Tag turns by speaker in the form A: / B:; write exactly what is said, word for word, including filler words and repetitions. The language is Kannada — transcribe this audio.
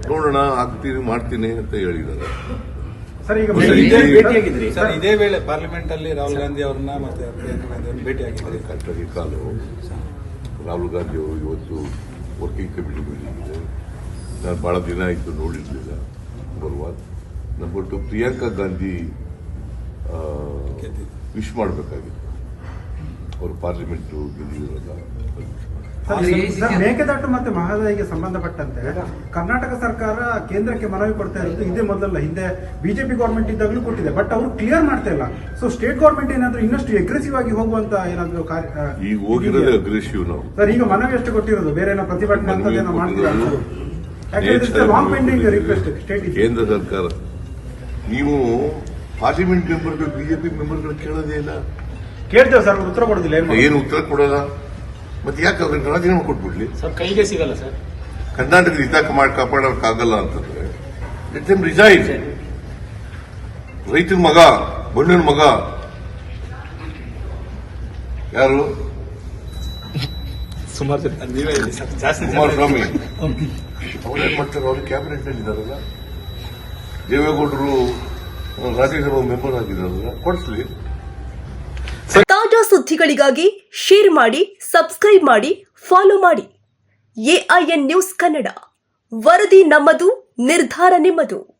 A: ನೋಡೋಣ ಆಗ್ತೀನಿ ಮಾಡ್ತೀನಿ ಅಂತ ಹೇಳಿದ್ದಾರೆ.
B: ಸರ್ ಈಗ
C: ಭೇಟಿಯಾಗಿದ್ರಿ ಸರ್, ಇದೇ ವೇಳೆ ಪಾರ್ಲಿಮೆಂಟ್ ಅಲ್ಲಿ ರಾಹುಲ್ ಗಾಂಧಿ ಅವ್ರನ್ನ ಮತ್ತೆ ಪ್ರಿಯಾಂಕಾ ಗಾಂಧಿ ಅವ್ರನ್ನ ಭೇಟಿಯಾಗಿದ್ದಾರೆ.
A: ಕಟ್ಟಡಿ ಕಾಲು ರಾಹುಲ್ ಗಾಂಧಿ ಅವರು ಇವತ್ತು ವರ್ಕಿಂಗ್ ಕಮಿಟಿ ಮೀಟಿಂಗ್ ಇದೆ. ನಾನು ಬಹಳ ದಿನ ಆಯಿತು ನೋಡಿರಲಿಲ್ಲ ಬರುವ. Number two Priyanka Gandhi wish ಮಾಡಬೇಕಾಗಿತ್ತು. ಅವರು ಪಾರ್ಲಿಮೆಂಟ್ ಗೆದ್ದಿರೋಲ್ಲ.
B: ಮೇಕೆದಾಟು ಮತ್ತೆ ಮಹದಾಯಿಗೆ ಸಂಬಂಧಪಟ್ಟಂತೆ ಕರ್ನಾಟಕ ಸರ್ಕಾರ ಕೇಂದ್ರಕ್ಕೆ ಮನವಿ ಕೊಡ್ತಾ ಇರೋದು ಇದೇ ಮೊದಲಲ್ಲ, ಹಿಂದೆ ಬಿಜೆಪಿ ಗವರ್ಮೆಂಟ್ ಇದ್ದಾಗಲೂ ಕೊಟ್ಟಿದೆ. ಬಟ್ ಅವರು ಕ್ಲಿಯರ್ ಮಾಡ್ತಾ ಇಲ್ಲ. ಸೊ ಸ್ಟೇಟ್ ಗವರ್ಮೆಂಟ್ ಏನಾದ್ರು ಇನ್ನಷ್ಟು ಅಗ್ರೆಸಿವ್ ಆಗಿ ಹೋಗುವಂತ ಏನಾದ್ರು
A: ಈಗ ಹೋಗಿರೋದೇ ಅಗ್ರೆಸಿವ್ ನಾವು.
B: ಸರ್ ಈಗ ಮನವಿ ಎಷ್ಟು ಕೊಟ್ಟಿರೋದು, ಬೇರೆ ಏನೋ ಪ್ರತಿಭಟನೆ ಅಂತ ಏನೋ ಮಾಡ್ತೀರಾ? ಲಾಂಗ್ ಪೆಂಡಿಂಗ್ ರಿಕ್ವೆಸ್ಟ್ ಸ್ಟೇಟ್
A: ಕೇಂದ್ರ ಸರ್ಕಾರ. ನೀವು ಪಾರ್ಲಿಮೆಂಟ್ ಮೆಂಬರ್ಗಳು ಬಿಜೆಪಿ ಮೆಂಬರ್ಗಳು ಕೇಳೋದೇ ಇಲ್ಲ.
B: ಕೇಳ್ತೇವೆ ಸರ್, ಉತ್ತರ ಕೊಡೋದಿಲ್ಲ.
A: ಏನು ಉತ್ತರ ಕೊಡೋಲ್ಲ. ಮತ್ತೆ ಯಾಕೆ ಅವ್ರಿಗೆ ರಾಜೀನಾಮೆ ಕೊಟ್ಬಿಡ್ಲಿ?
D: ಸರ್ ಕೈಗೆ ಸಿಗಲ್ಲ ಸರ್.
A: ಕರ್ನಾಟಕದ ಹಿತ ಮಾಡಿ ಕಾಪಾಡೋಕ್ಕಾಗಲ್ಲ ಅಂತಂದ್ರೆ ಲೆಟ್ ದೆಮ್ ರಿಸೈನ್. ರೈತನ ಮಗ, ಬಣ್ಣನ ಮಗ ಯಾರು?
D: ಸುಮಾರು ನೀವೇ ಜಾಸ್ತಿ
A: ಕುಮಾರಸ್ವಾಮಿ. ಅವ್ರೇನ್ ಮಾಡ್ತಾರೆ? ಅವ್ರ ಕ್ಯಾಬಿನೆಟ್ ನಲ್ಲಿ ಇದ್ದಾರಲ್ಲ. ದೇವೇಗೌಡರು ರಾಜ್ಯಸಭಾ ಮೆಂಬರ್ ಆಗಿದ್ದಾರಲ್ಲ, ಕೊಡಿಸ್ಲಿ.
E: ತಾಜಾ ಸುದ್ದಿಗಳಿಗಾಗಿ ಶೇರ್ ಮಾಡಿ, ಸಬ್ಸ್ಕ್ರೈಬ್ ಮಾಡಿ, ಫಾಲೋ ಮಾಡಿ. ಎಐಎನ್ ನ್ಯೂಸ್ ಕನ್ನಡ, ವರದಿ ನಮ್ಮದು, ನಿರ್ಧಾರ ನಿಮ್ಮದು.